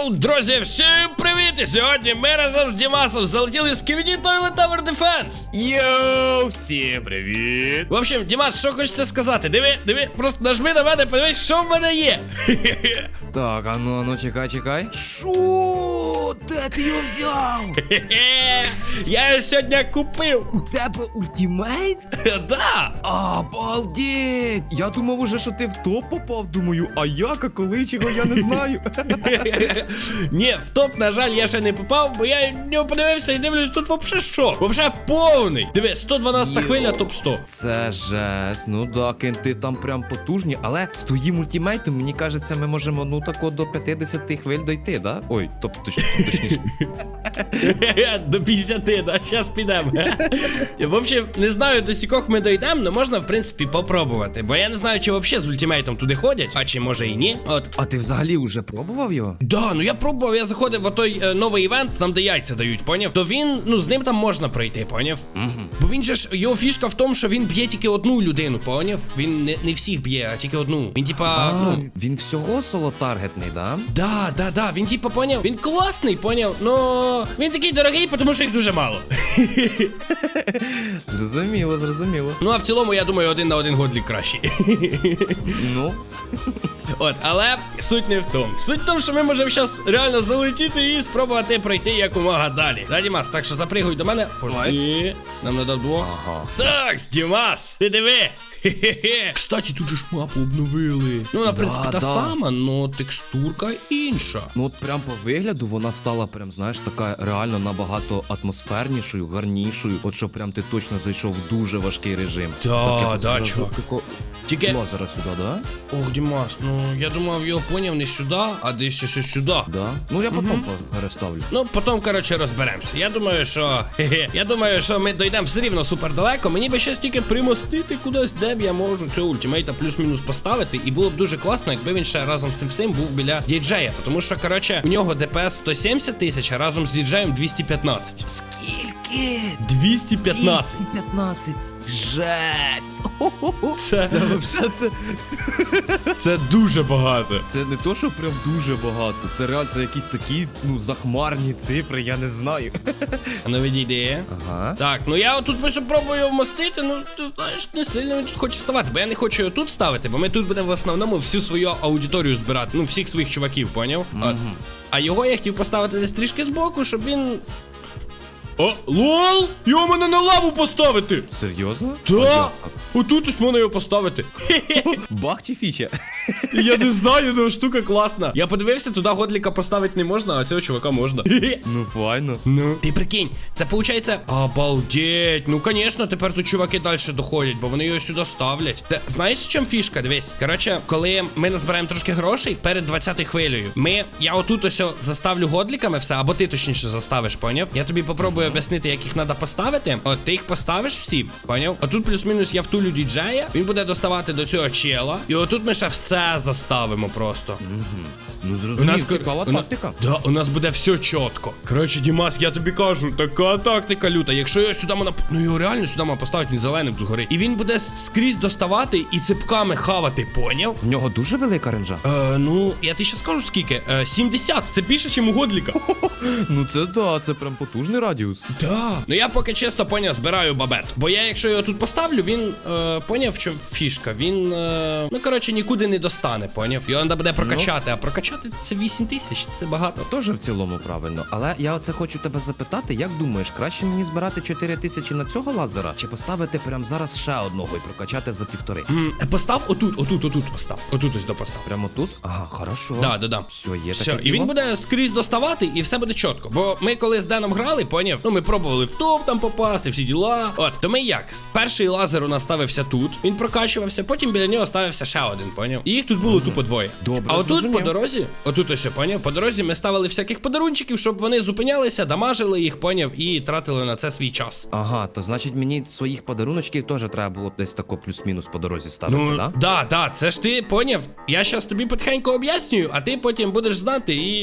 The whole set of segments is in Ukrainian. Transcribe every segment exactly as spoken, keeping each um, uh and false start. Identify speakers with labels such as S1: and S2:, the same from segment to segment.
S1: Йоу, друзі, всім привіт! І сьогодні ми разом з Дімасом залетіли в Skibidi Toilet Tower Defense.
S2: Йоу, всім привіт!
S1: В общем, Дімас, що хочеться сказати? Диви, диви, просто нажми на мене, подивись, що в мене є.
S2: Так, а ну, а ну, чекай, чекай. Шо? Де ти його взяв?
S1: Я його сьогодні купив.
S2: У тебе ультимейт?
S1: Да.
S2: Обалдеть! Я думав уже, що ти в топ попав, думаю, а як, а коли, чого я не знаю.
S1: Ні, в топ, на жаль, я ще не попав, бо я не подивився і дивлюсь, тут вообще що? Вообще повний. Диви, сто дванадцята хвиля, топ сто.
S2: Це жесть, ну да, кенти там прям потужні, але з твоїм ультимейтом, мені кажеться, ми можемо, ну тако до п'ятдесят хвиль дойти, да? Ой, тобто точ, точніше.
S1: До п'ятдесяти, да, щас підемо. В общем, не знаю, до сікох ми дойдемо, але можна, в принципі, попробувати. Бо я не знаю, чи взагалі з ультимейтом туди ходять, а чи може і ні. От.
S2: А ти взагалі вже пробував його?
S1: Да, ну я пробував, я заходив в той е, новий івент, там де яйця дають, поняв? То він, ну з ним там можна пройти, поняв?
S2: Угу.
S1: Бо він же ж, його фішка в тому, що він б'є тільки одну людину, поняв? Він не, не всіх б'є, а тільки одну. Він типа,
S2: А,
S1: ну...
S2: він всього соло-таргетний, да?
S1: Да, да, да, він типа, поняв? Він класний, поняв? Ну, він такий дорогий, тому що їх дуже мало.
S2: Зрозуміло, зрозуміло.
S1: Ну, а в цілому, я думаю, один на один годлік кращий.
S2: Ну...
S1: От, але суть не в тому. Суть в тому, що ми можемо зараз реально залетіти і спробувати пройти якомога далі. Да, Дімас, так що запригуй до мене. Пожди. Нам надо вдвох.
S2: Ага.
S1: Так, Дімас, ти диви. Хе-хе-хе. Кстати, тут же ж мапу обновили. Ну, вона, в принципі,
S2: Да,
S1: та
S2: да.
S1: сама, но текстурка інша.
S2: Ну от прям по вигляду вона стала прям, знаєш, така реально набагато атмосфернішою, гарнішою. От що прям ти точно зайшов в дуже важкий режим.
S1: Да,
S2: Так, я
S1: да,
S2: зразу
S1: чувак.
S2: тако-
S1: Тільки,
S2: Лазера сюди, да?
S1: ох, Дімас, ну, я думав, його поняв не сюди, а десь ще сюди.
S2: Да. Ну я потім переставлю.
S1: Ну, потім, коротше, розберемося. Я думаю, що. Хе-хе. Я думаю, що ми дійдемо все рівно супер далеко. Мені би ще тільки примостити кудись, де б я можу цього ультимейта плюс-мінус поставити. І було б дуже класно, якби він ще разом з цим всім був біля діджея. Тому що, коротше, у нього ДПС сто сімдесят тисяч, а разом з діджеєм двісті п'ятнадцять.
S2: Скільки?
S1: двісті п'ятнадцять.
S2: двісті п'ятнадцять. Жесть.
S1: Це,
S2: Це вообще це.
S1: це дуже багато.
S2: Це не то, що прям дуже багато. Це реально це якісь такі, ну, захмарні цифри, я не знаю.
S1: А ну відійди.
S2: Ага.
S1: Так, ну я отут просто пробую вмостити, ну ти знаєш, не сильно він тут хоче ставати, бо я не хочу його тут ставити, бо ми тут будемо в основному всю свою аудиторію збирати, ну всіх своїх чуваків, поняв? От. А його я хотів поставити десь трішки збоку, щоб він... О, лол! Його мене на лаву поставити!
S2: Серйозно?
S1: Так! Отут ось можна його поставити.
S2: Бах чи фіча?
S1: Я не знаю, ну штука класна. Я подивився, туди годліка поставити не можна, а цього чувака можна.
S2: Ну файно.
S1: Ну. Ти прикинь, це виходить, обалдеть. Ну, звісно, тепер тут чуваки далі доходять, бо вони його сюди ставлять. Та знаєш, в чому фішка? Дивись. Коротше, коли ми назбираємо трошки грошей перед двадцятою хвилею, ми, я отут ось заставлю годліками все, або ти точніше заставиш, поняв? Я тобі попробую об'яснити, як їх треба поставити. От ти їх поставиш всі, поняв? Отут плюс-мінус я втулю діджея, він буде доставати до цього чела. І отут ми ще все заставимо просто.
S2: Ну
S1: У
S2: зрозумів,
S1: нас
S2: цікава
S1: у на-
S2: тактика.
S1: Да, у нас буде все чітко. Коротше, Дімас, я тобі кажу, така тактика люта. Якщо його сюди можна... Ну його реально сюди можна поставити, він зеленим тут горить. І він буде скрізь доставати і ципками хавати, поняв?
S2: В нього дуже велика ренжа.
S1: Е, ну, я тобі ще скажу скільки. Е, сімдесят. Це більше, ніж у годліка.
S2: Ну це да, це прям потужний радіус.
S1: Да. Ну я поки чисто, поняв, збираю бабет. Бо я, якщо його тут поставлю, він, е, поняв, що фішка. Він, е, ну, коротше, нікуди не достане, поняв? Його треба буде прокачати, а прокачати це вісім тисяч, це багато.
S2: Теж в цілому правильно. Але я оце хочу тебе запитати, як думаєш, краще мені збирати чотири тисячі на цього лазера, чи поставити прямо зараз ще одного і прокачати за півтори?
S1: М, Постав отут, отут, отут постав. Отут ось допостав.
S2: Прямо тут? Ага, хорошо.
S1: Да, да, да.
S2: Все, є
S1: Все,
S2: таке
S1: і він
S2: діло?
S1: буде скрізь доставати, і все буде чітко. Бо ми коли з Деном грали, поняв? Ну ми пробували в топ там попасти, всі діла. От, то ми як? Перший лазер у нас ставився тут, він прокачувався, потім біля нього ставився ще один, поняв? І їх тут було тупо двоє.
S2: Добре,
S1: а отут
S2: зрозумів.
S1: по дорозі, отут ось, поняв? По дорозі ми ставили всяких подарунчиків, щоб вони зупинялися, дамажили їх, поняв, і тратили на це свій час.
S2: Ага, то значить мені своїх подаруночків теж треба було десь тако плюс-мінус по дорозі ставити,
S1: Ну,
S2: да?
S1: да, да, це ж ти поняв. Я щас тобі потихеньку об'яснюю, а ти потім будеш знати і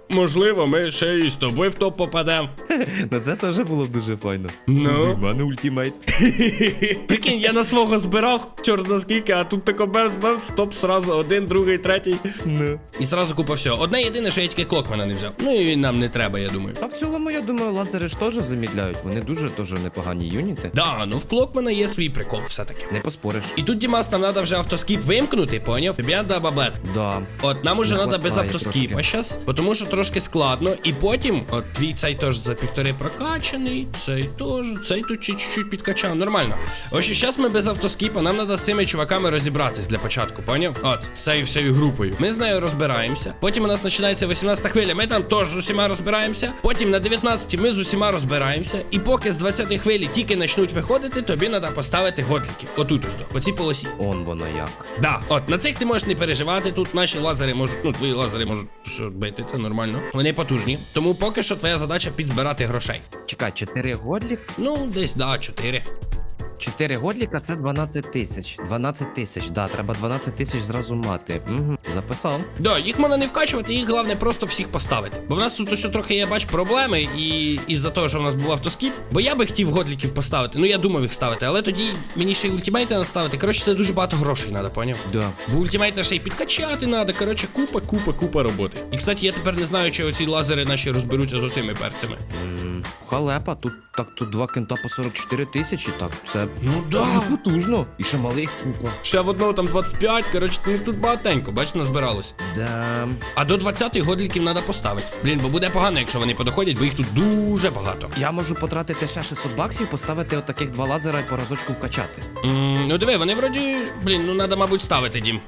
S1: можливо, ми ще і з тобою в топ попадемо.
S2: На це теж було б дуже файно.
S1: Ну?
S2: У мене ультимейт.
S1: Прикинь, я на свого збирав, чорт на скільки, а тут тако бемс-бемс, топ сразу один, другий, третій.
S2: Ну.
S1: І сразу купа всього. Одне єдине, що я тільки клокмена не взяв. Ну і він нам не треба, я думаю.
S2: Та в цілому, я думаю, лазери ж теж замідляють. Вони дуже теж непогані юніти.
S1: Да, ну в клокмена є свій прикол все-таки.
S2: Не поспориш.
S1: І тут, Дімас, нам треба вже автоскіп вимкнути, поняв? Тобі треба баблет.
S2: Да.
S1: От, нам уже
S2: Не
S1: треба без
S2: хватає
S1: автоскіпа
S2: трошки.
S1: зараз, тому що трошки складно. І потім, от твій цей теж за півтори прокачаний, цей теж, цей тут чуть-чуть підкачав, нормально. Ось зараз ми без автоскіпа, нам треба з цими чуваками розібратись для початку, поняв? От, з цією всією групою. Ми з нею розбираємося. Потім у нас починається вісімнадцята хвиля, ми там теж з усіма розбираємося. Потім на дев'ятнадцятій ми з усіма розбираємося. І поки з двадцятої хвилі тільки почнуть виходити, тобі треба поставити годліки. Отут ось до, по цій полосі.
S2: Он воно як.
S1: Да, от на цих ти можеш не переживати. Тут наші лазери можуть, ну твої лазери можуть що, бити, це нормально. Вони потужні. Тому поки що твоя задача підзбирати грошей.
S2: Чекай, чотири годлік?
S1: Ну, десь, да, чотири.
S2: чотири годліка це дванадцять тисяч. дванадцять тисяч, да, треба дванадцять тисяч зразу мати. Угу, записав.
S1: Да, їх можна не вкачувати, їх головне просто всіх поставити. Бо в нас тут ось трохи я бачу проблеми, і із-за того, що в нас був автоскіп. Бо я би хотів годліків поставити. Ну я думав їх ставити, але тоді мені ще й ультимейти треба ставити. Коротше, це дуже багато грошей треба, поняв?
S2: Да.
S1: Бо ультимейта ще й підкачати треба. Коротше, купа, купа, купа роботи. І кстати, я тепер не знаю, чи оці лазери наші розберуться з оцими перцями.
S2: М, Халепа, тут так тут два кента по сорок чотири тисячі, так це
S1: Ну
S2: дуже потужно. І ще малих купа.
S1: Ще в одного там двадцять п'ять, коротше, ну тут багатенько, бач, назбиралось.
S2: Да.
S1: А до двадцятої годліків треба поставити. Блін, бо буде погано, якщо вони подоходять, бо їх тут дуже багато.
S2: Я можу потратити ще шістсот баксів, поставити отаких два лазера і по разочку вкачати.
S1: М, ну диви, вони вроді, блін, ну треба, мабуть, ставити, Дім.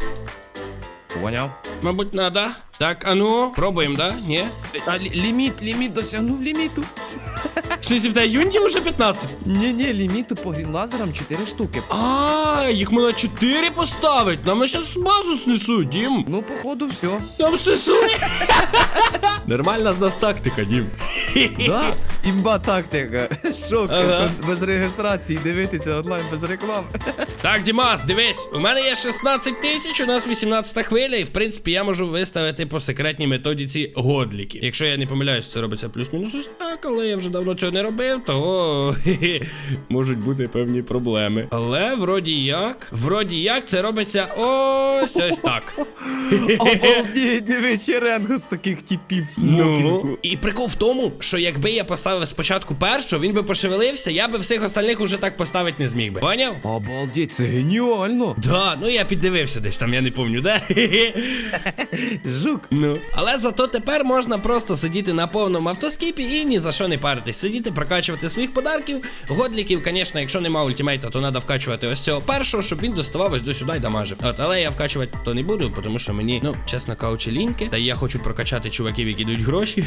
S2: Поняв?
S1: Мабуть, надо. Так, а ну, пробуємо, да? Ні?
S2: А лі- ліміт, ліміт досягнув ліміту.
S1: Щось в тебе юнітів уже п'ятнадцять?
S2: Ні-ні, ліміту по грінлазерам чотири штуки.
S1: А, їх можна чотири поставити. Нам щас базу снесуть, Дім.
S2: Ну, походу, все.
S1: Там снесуть. Нормальна з нас тактика, Дім.
S2: Да? Імба тактика. Шок,
S1: Ага.
S2: без реєстрації, дивитися онлайн без реклами.
S1: Так, Дімас, дивись, у мене є шістнадцять тисяч, у нас вісімнадцята хвиля, і в принципі я можу виставити по секретній методиці годліки. Якщо я не помиляюсь, це робиться плюс-мінус ось так, але я вже давно цього не робив, то хе-хе, можуть бути певні проблеми. Але вроді як, вроді як це робиться ось ось так.
S2: Обалдеть, диви, черенго з таких типів в смокінгу.
S1: Ну, і прикол в тому, що якби я поставив спочатку першого, він би пошевелився, я би всіх остальних уже так поставити не зміг би. Поняв?
S2: Обалдеть, це геніально.
S1: Да, ну я піддивився десь там, я не пам'ятаю, де.
S2: Жук.
S1: Ну, але зато тепер можна просто сидіти на повному автоскіпі і ні за що не паритись. Сидіти, прокачувати своїх подарків. Годліків, звісно, якщо нема ультимейта, то треба вкачувати ось цього першого, щоб він доставав ось до сюди і дамажив. От, але я вкачувати то не буду, тому що мені, ну, чесно кажучи, ліньки. Та я хочу прокачати чуваків, які дають гроші.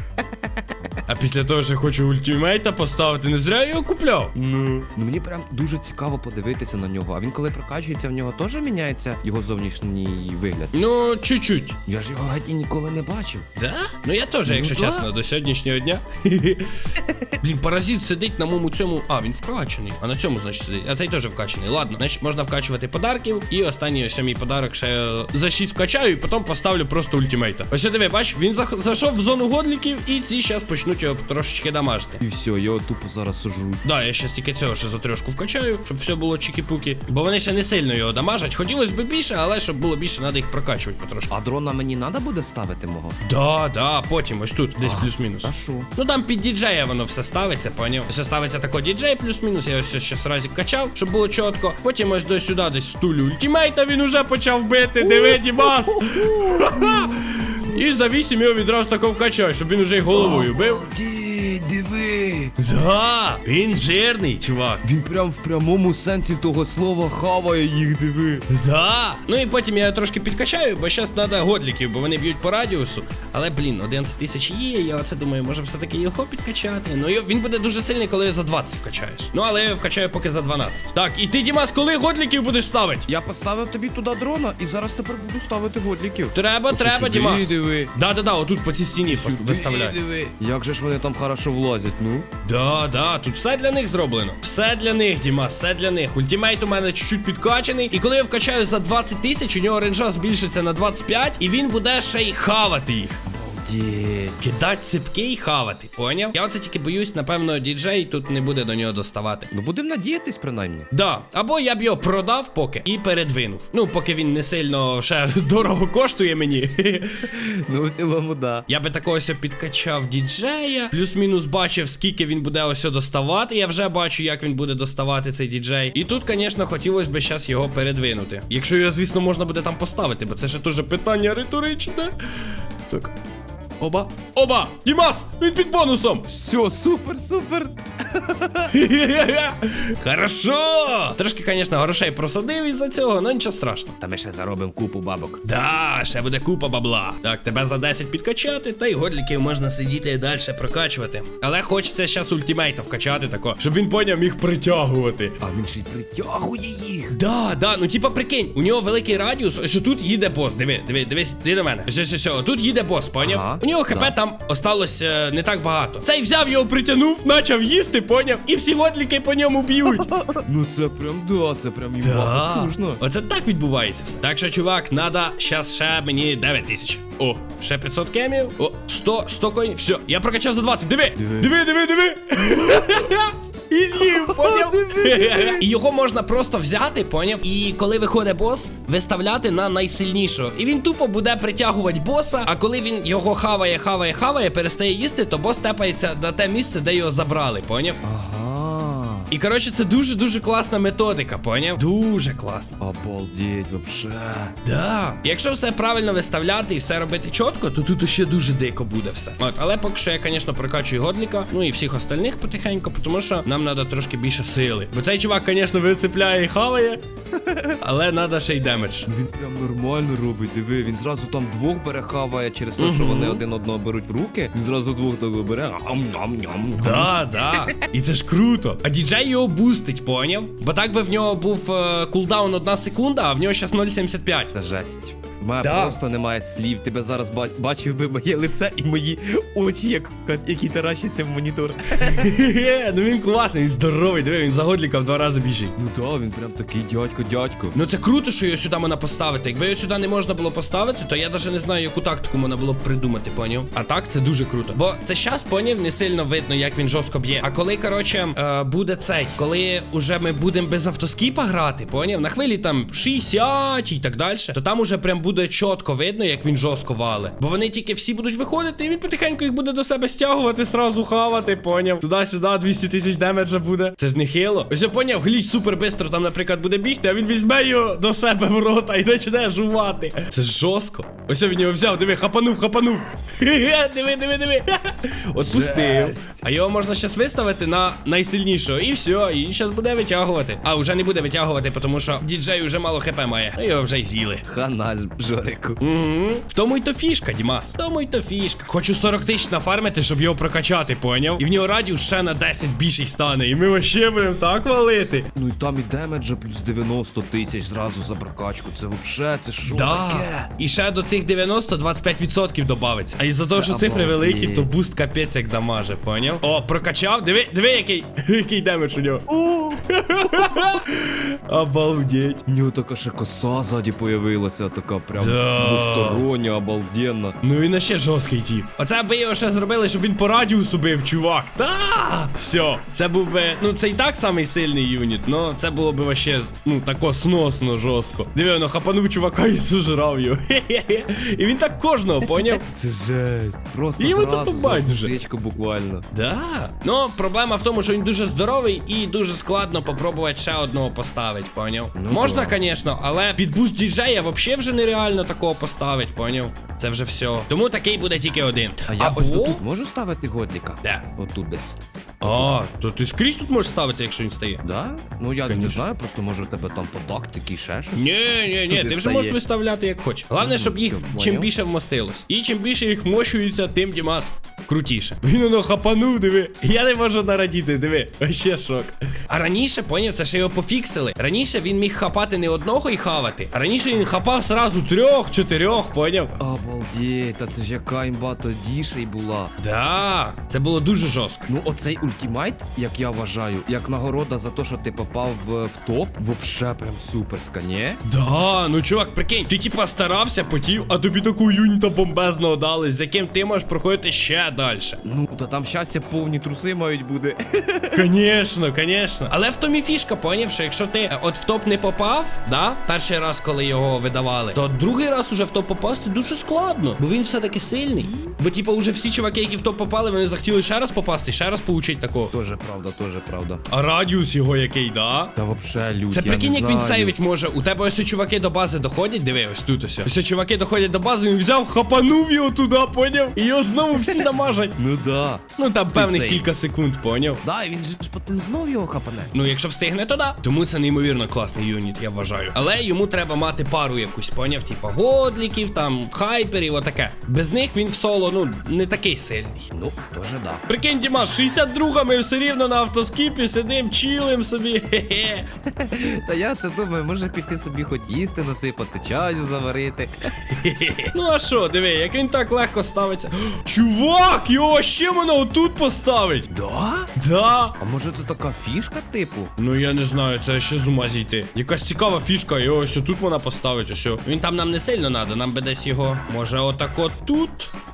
S1: А після того, що хочу ультимейта поставити, не зря я його купляв.
S2: Ну, ну мені прям дуже цікаво подивитися на нього. А він коли прокачується, в нього теж міняється його зовнішній вигляд.
S1: Ну, чуть-чуть.
S2: Я ж його геть і ніколи не бачив.
S1: Да? Ну я теж, якщо
S2: Ну, да.
S1: чесно, до сьогоднішнього дня. Блін, паразит сидить на моєму цьому. А, він вкачаний. А на цьому, значить, сидить. А цей теж вкачаний. Ладно, значить, можна вкачувати подарків. І останній ось мій подарок ще е, за шість вкачаю, і потім поставлю просто ультимейта. Ось диви, бач, він зах- зайшов в зону годліків, і ці зараз почнуть його трошечки дамажити.
S2: І все, його тупо зараз сожруть.
S1: Да, я ще тільки цього ще за трьошку вкачаю, щоб все було чікі-пукі. Бо вони ще не сильно його дамажать. Хотілося б більше, але щоб було більше, треба їх прокачувати потрошки.
S2: А дрона мені треба буде ставити мого?
S1: Да, да, потім ось тут, десь
S2: А,
S1: плюс-мінус.
S2: А що?
S1: Ну там під діджея воно все ставиться, поняв? Все ставиться тако діджей плюс-мінус, я ось ще разик качав, щоб було чітко. Потім ось до сюди десь стулю ультимейта він уже почав бити, диви, Дімас! І за вісім його відразу тако вкачай, щоб він уже й головою бив.
S2: Обалдеть, диви!
S1: Да, він жирний, чувак.
S2: Він прям в прямому сенсі того слова хаває їх, диви.
S1: Да. Ну і потім я його трошки підкачаю, бо зараз треба годліків, бо вони б'ють по радіусу. Але, блін, одинадцять тисяч є, я оце думаю, може все-таки його підкачати. Ну його- він буде дуже сильний, коли його за двадцять вкачаєш. Ну, але я його вкачаю поки за дванадцять. Так, і ти, Дімас, коли годліків будеш ставити?
S2: Я поставив тобі туди дрона і зараз тепер буду ставити годліків.
S1: Треба,
S2: Оце
S1: треба,
S2: сюди,
S1: Дімас.
S2: диви.
S1: Да-да-да, отут по цій стіні
S2: Сюди,
S1: виставляй.
S2: диви. Як же ж вони там хорошо влазять, ну?
S1: Да, да, тут все для них зроблено. Все для них, Дімас, все для них. Ультимейт у мене чуть-чуть підкачаний. І коли я вкачаю за двадцять тисяч, у нього ренжа збільшиться на двадцять п'ять, і він буде ще й хавати їх.
S2: Обалдеть.
S1: Кидать ципки і хавати, поняв? Я оце тільки боюсь, напевно, діджей тут не буде до нього доставати.
S2: Ну будемо надіятись, принаймні.
S1: Да, або я б його продав поки і передвинув. Ну, поки він не сильно ще дорого коштує мені.
S2: Ну, в цілому, да.
S1: Я би такого ось підкачав діджея, плюс-мінус бачив, скільки він буде ось доставати. Я вже бачу, як він буде доставати цей діджей. І тут, звісно, хотілося б зараз його передвинути. Якщо його, звісно, можна буде там поставити, бо це ще дуже питання риторичне. Так. Оба. Оба! Дімас! Він під бонусом!
S2: Все, супер, супер.
S1: Хорошо! Трошки, звісно, грошей просадив із-за цього, але нічого страшного.
S2: Та ми ще заробимо купу бабок.
S1: Да, ще буде купа бабла. Так, тебе за десять підкачати, та й годліків можна сидіти і далі прокачувати. Але хочеться зараз ультимейта вкачати тако, щоб він поняв міг притягувати.
S2: А він ще й притягує їх.
S1: Да, да, ну типа прикинь, у нього великий радіус, ось тут їде бос. Диви, диви, дивись, диви до мене. Ось, ось, ось, ось, тут їде бос, поняв?
S2: Ага,
S1: у нього хп
S2: да.
S1: там осталось е, не так багато. Цей взяв його, притягнув, почав їсти, поняв? І всі годліки по ньому б'ють.
S2: Ну це прям, да, це прям і
S1: Да.
S2: потужно.
S1: Оце так відбувається все. Так що, чувак, надо щас ще мені дев'ять тисяч. О, ще п'ятсот кемів. О, сто, сто коїнів. Все, я прокачав за двадцять. Диви,
S2: Диви.
S1: диви, диви, диви. І з'їв, поняв? І його можна просто взяти, поняв? І коли виходить бос, виставляти на найсильнішого. І він тупо буде притягувати боса, а коли він його хаває, хаває, хаває, перестає їсти, то бос тепається на те місце, де його забрали, поняв?
S2: Ага.
S1: І коротше, це дуже-дуже класна методика, поняв? Дуже класна.
S2: Обалдеть, вообще.
S1: Да. Якщо все правильно виставляти і все робити чітко, то тут ще дуже дико буде все. От, але поки що я, звісно, прокачую годліка, ну і всіх остальних потихеньку, тому що нам треба трошки більше сили. Бо цей чувак, звісно, вицепляє і хаває, але треба ще й демедж.
S2: Він прям нормально робить, диви, він зразу там двох бере хаває через те, що вони один одного беруть в руки. Він зразу двох того бере. Ам-ням-ням.
S1: Да, да. І це ж круто. А діджей його бустить, поняв? Бо так би в нього був е, кулдаун одна секунда, а в нього зараз нуль сімдесят п'ять.
S2: Це жесть. В мене
S1: Да.
S2: просто немає слів. Тебе зараз ба- бачив би моє лице і мої очі, як, які таращаться в монітор.
S1: Хе-хе, ну він класний, він здоровий, диви, він за годліка в два рази більший.
S2: Ну так, він прям такий дядько-дядько.
S1: Ну це круто, що його сюди можна поставити. Якби його сюди не можна було поставити, то я навіть не знаю, яку тактику можна було б придумати, поняв? А так це дуже круто. Бо це щас, поняв, не сильно видно, як він жорстко б'є. А коли, коротше, е, буде цей, коли уже ми будемо без автоскіпа грати, поняв? На хвилі там шістдесят і так далі, то там уже прям буде чітко видно, як він жорстко вале. Бо вони тільки всі будуть виходити, і він потихеньку їх буде до себе стягувати, сразу хавати, поняв? Туди-сюди двісті тисяч демеджа буде. Це ж не хило. Ось я поняв, гліч супер бистро там, наприклад, буде бігти, а він візьме його до себе в рота і почне жувати. Це ж жорстко. Ось він його взяв, диви, хапанув, хапанув. Хе-хе, диви, диви, диви. Отпустив.
S2: Жесть.
S1: А його можна зараз виставити на найсильнішого. І все, і зараз буде витягувати. А, вже не буде витягувати, тому що діджей вже мало хп має. Ну його вже й з'їли.
S2: Хана ж, Жорику.
S1: Угу. В тому й то фішка, Дімас. В тому й то фішка. Хочу сорок тисяч нафармити, щоб його прокачати, поняв? І в нього радіус ще на десять більший стане. І ми вообще будемо так валити.
S2: Ну і там і демеджа плюс дев'яносто тисяч зразу за прокачку. Це вообще, це що
S1: Да.
S2: таке?
S1: І ще до цих дев'яносто двадцять п'ять відсотків добавиться. А із-за того, що цифри
S2: обалдеть.
S1: великі, то буст капець як дамаже, поняв? О, прокачав. Диви, диви, який, який демедж у нього. Обалдеть.
S2: У нього така ще коса ззаді появилася, така прям
S1: Да.
S2: двостороння, обалденна.
S1: Ну і на ще жорсткий тіп. Оце би його ще зробили, щоб він по радіусу бив, чувак. Та! Все. Це був би. Ну, це і так самий сильний юніт, но це було б вообще, ну, тако сносно жорстко. Диви, воно хапанув чувака і сужрав його. Хе-хе-хе. І він так кожного, поняв?
S2: Це жесть. Просто
S1: Йому
S2: зразу
S1: тут
S2: за
S1: байдуже.
S2: птичку буквально.
S1: Да. Ну, проблема в тому, що він дуже здоровий і дуже складно попробувати ще одного поставити, поняв?
S2: Ну,
S1: Можна,
S2: да.
S1: звісно, але під буст діджея взагалі вже нереально такого поставити, поняв? Це вже все. Тому такий буде тільки один.
S2: А я ось тут можу ставити годліка?
S1: Де?
S2: Отут десь.
S1: А, то ти скрізь тут можеш ставити, якщо він стає.
S2: Да? Ну я не
S1: Конечно.
S2: знаю, просто може у тебе там по тактиці ще щось.
S1: Ні, ні, ні,
S2: Туди
S1: ти вже
S2: стає.
S1: можеш виставляти як хочеш. Головне,
S2: Мгм,
S1: щоб їх
S2: все,
S1: чим
S2: поняв.
S1: більше вмостилось. І чим більше їх вмощується, тим Дімас крутіше. Він воно хапанув, диви. Я не можу нарадіти, диви. Вообще шок. А раніше, поняв, це ще його пофіксили. Раніше він міг хапати не одного і хавати. А раніше він хапав сразу трьох, чотирьох, поняв?
S2: Обалдеть, та це ж яка імба тоді ще й була.
S1: Да, це було дуже жорстко.
S2: Ну оцей ультимейт, як я вважаю, як нагорода за те, що ти попав в, в топ, вообще прям суперська, ні?
S1: Да, ну чувак, прикинь, ти типа старався, потів, а тобі таку юніта бомбезного дали, з яким ти можеш проходити ще далі.
S2: Ну, та там щастя повні труси мають бути.
S1: Конечно, конечно. Але в тому і фішка, поняв, що якщо ти е, от в топ не попав, да, перший раз, коли його видавали, то другий раз уже в топ попасти дуже складно, бо він все-таки сильний. Бо типа уже всі чуваки, які в топ попали, вони захотіли ще раз попасти, ще раз получить такого.
S2: Тоже правда, тоже правда.
S1: А радіус його який, да?
S2: Та вообще лють,
S1: Це
S2: я
S1: прикинь,
S2: не
S1: як він
S2: знаю.
S1: сейвить може. У тебе ось чуваки до бази доходять, диви, ось тут ось. Ось чуваки доходять до бази, він взяв, хапанув його туди, поняв? І його знову всі дамажать.
S2: Ну да.
S1: Ну там певних
S2: сейв.
S1: кілька секунд, поняв?
S2: Да, і він же ж потім знов його хапане.
S1: Ну, якщо встигне, то да. Тому це неймовірно класний юніт, я вважаю. Але йому треба мати пару якусь, поняв? Типа годліків, там, хайперів, отаке. Без них він в соло, ну, не такий сильний.
S2: Ну, тоже да.
S1: Прикинь, Діма, шістдесят два ми все рівно на автоскіпі сидим, чилим собі. Хе-хе.
S2: Та я це думаю, може піти собі хоч їсти насипати, чаю заварити.
S1: Ну а що, диви, як він так легко ставиться. Чувак, його ще мене отут поставить.
S2: Да?
S1: Да.
S2: А може це така фішка, типу?
S1: Ну я не знаю, це ще з ума зійти. Якась цікава фішка, і ось тут вона поставить, ось. Він там нам не сильно надо, нам би десь його. Може отак от тут?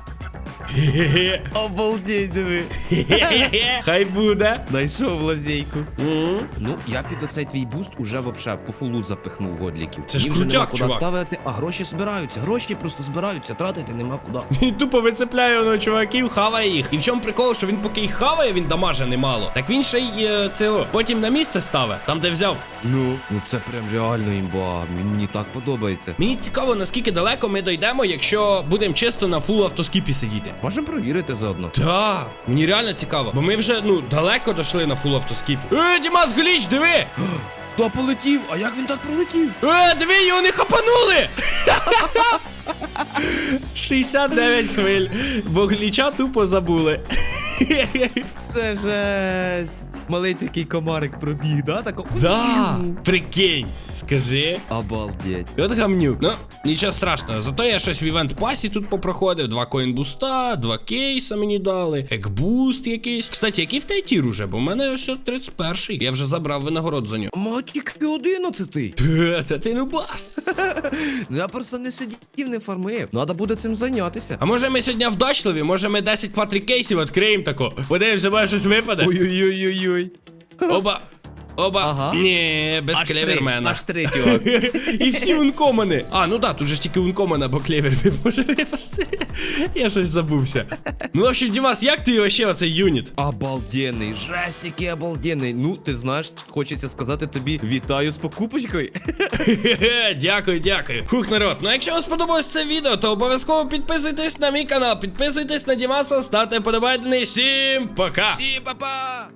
S1: Хе-хе-хе.
S2: Обалдеть, диви.
S1: Хе-хе-хе. Хай буде.
S2: Найшов лазейку.
S1: Мгм.
S2: Ну, я під оцей твій буст уже вообще по фулу запихнув годліків.
S1: Це ж
S2: Їм вже
S1: крутяк,
S2: нема куди
S1: чувак.
S2: ставити, а гроші збираються. Гроші просто збираються, тратити нема куди.
S1: Він тупо вицепляє на чуваків, хаває їх. І в чому прикол, що він поки їх хаває, він дамаже немало. Так він ще й е, це о, потім на місце ставить, там де взяв.
S2: Ну. Ну це прям реально імба. Він мені так подобається.
S1: Мені цікаво, наскільки далеко ми дійдемо, якщо будемо чисто на фул автоскіпі сидіти.
S2: Можемо провірити заодно.
S1: Так, мені реально цікаво, бо ми вже, ну, далеко дійшли на фул автоскіпі. Е, Дімас, гліч, диви!
S2: Та полетів, а як він так пролетів?
S1: Е, диви, його не хапанули! шістдесят дев'ять хвиль, бо гліча тупо забули.
S2: Це жесть. Малий такий комарик пробіг, да? Тако.
S1: Да, прикинь, скажи.
S2: Обалдеть.
S1: От гамнюк. Ну, нічого страшного. Зато я щось в івент пасі тут попроходив. Два коінбуста, два кейса мені дали, екбуст якийсь. Кстати, який в тайтір уже? Бо в мене ось тридцять перший. Я вже забрав винагород за нього.
S2: Матік одинадцятий.
S1: Та ти ну бас.
S2: Ну я просто не сидів, не фармив. Надо буде цим зайнятися.
S1: А може ми сьогодні вдачливі? Може ми десять квадрікейсів відкриємо тако? Подивимося, може щось випаде?
S2: Ой-ой-ой-ой-ой.
S1: Оба. Оба.
S2: Ага.
S1: Ні, без
S2: Аж три,
S1: клевермена.
S2: аж три, чувак.
S1: І всі ункомани. А, ну так, тут же ж тільки ункомана, бо клевер не може випасти. Я щось забувся. Ну, в общем, Дімас, як ти вообще оцей юніт?
S2: Обалденний, жесть, який обалденний. Ну, ти знаєш, хочеться сказати тобі вітаю з покупочкою.
S1: Хе-хе, дякую, дякую. Хух, народ. Ну, якщо вам сподобалось це відео, то обов'язково підписуйтесь на мій канал, підписуйтесь на Дімаса, ставте вподобайки. Всім пока!
S2: Всім па-па!